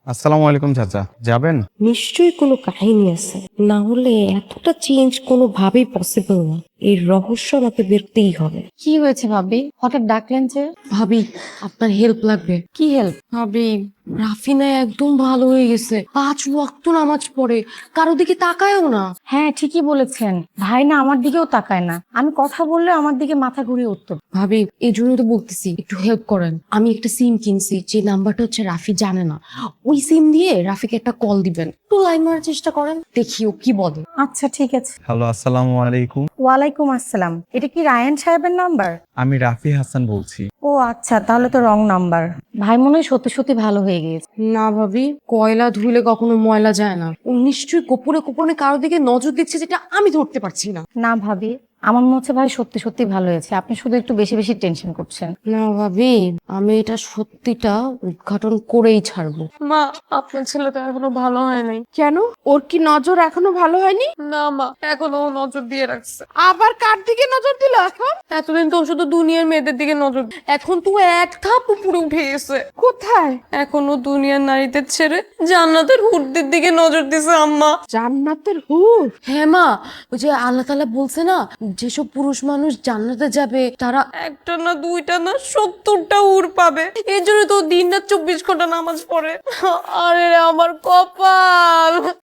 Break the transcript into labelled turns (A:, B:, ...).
A: আসসালামু আলাইকুম চাচা, যাবেন?
B: নিশ্চয়ই কোনো কাহিনী আছে, না হলে এতটা চেঞ্জ কোনোভাবেই পসিবল না। এই রহস্য আমাকে বেরতেই হবে।
C: কি হয়েছে ভাবি, হঠাৎ ডাকলেন যে?
B: ভাবি, আপনার হেল্প লাগবে।
C: কি হেল্প?
B: ভাবি, রাফিনা একদম ভালো হয়ে গেছে, 5 ওয়াক্ত নামাজ পড়ে, কারো দিকে তাকায়ও না।
C: হ্যাঁ ঠিকই বলেছেন, ভাই না আমার দিকেও তাকায় না, আমি কথা বললে আমার দিকে মাথা ঘুরিয়ে উঠতো।
B: ভাবি, এই জন্য তো বলতেছি একটু হেল্প করেন। আমি একটা সিম কিনছি, যে নাম্বারটা হচ্ছে রাফি জানে না। ওই সিম দিয়ে রাফিকে একটা কল দিবেন, একটু লাইন মারার চেষ্টা করেন, দেখিও কি বলে।
C: আচ্ছা ঠিক আছে।
A: হ্যালো, আসসালামু আলাইকুম।
C: ওয়ালাইকুম আসসালাম, এটা কি রায়ান সাহেবের নাম্বার?
A: আমি রাফি হাসান বলছি।
C: ও আচ্ছা, তাহলে তো রং নাম্বার। ভাই মনে হয় সত্যি সত্যি ভালো হয়ে গিয়েছে।
B: না ভাবি, কয়লা ধুইলে কখনো ময়লা যায় না। ও নিশ্চয়ই গোপনে গোপনে কারো দিকে নজর দিচ্ছে, যেটা আমি ধরতে পারছি না।
C: না ভাবি, আমার মনে হচ্ছে ভাই সত্যি সত্যি ভালো হয়েছে, আপনি শুধু একটু বেশি বেশি টেনশন করছেন।
B: না ভাবি, আমি এটা সত্যিটা উদ্ঘাটন করেই ছাড়বো।
D: মা, আপনার ছেলে তো এখনো ভালো হয় নাই। কেন? ওর কি নজর এখনো ভালো হয়নি? না মা, এখনো ও নজর দিয়ে রাখছে। আবার কার দিকে নজর দিল এখন?
B: এতদিন তো ও শুধু দুনিয়ার মেয়েদের দিকে নজর, এখন তো এক ধাপ উপরে উঠে গেছে।
D: কোথায়?
B: এখনো দুনিয়ার নারীদের ছেড়ে জান্নাতের হুরদের দিকে নজর দিছে আম্মা।
D: জান্নাতের হুর?
B: হ্যাঁ মা, ওই যে আল্লাহ তাআলা বলছে না, যেসব পুরুষ মানুষ জান্নাতে যাবে তারা একটা না দুইটা না 70টা হুর পাবে। এই জন্য তো দিন রাত 24 ঘন্টা নামাজ পড়ে। আরে আমার কপাল।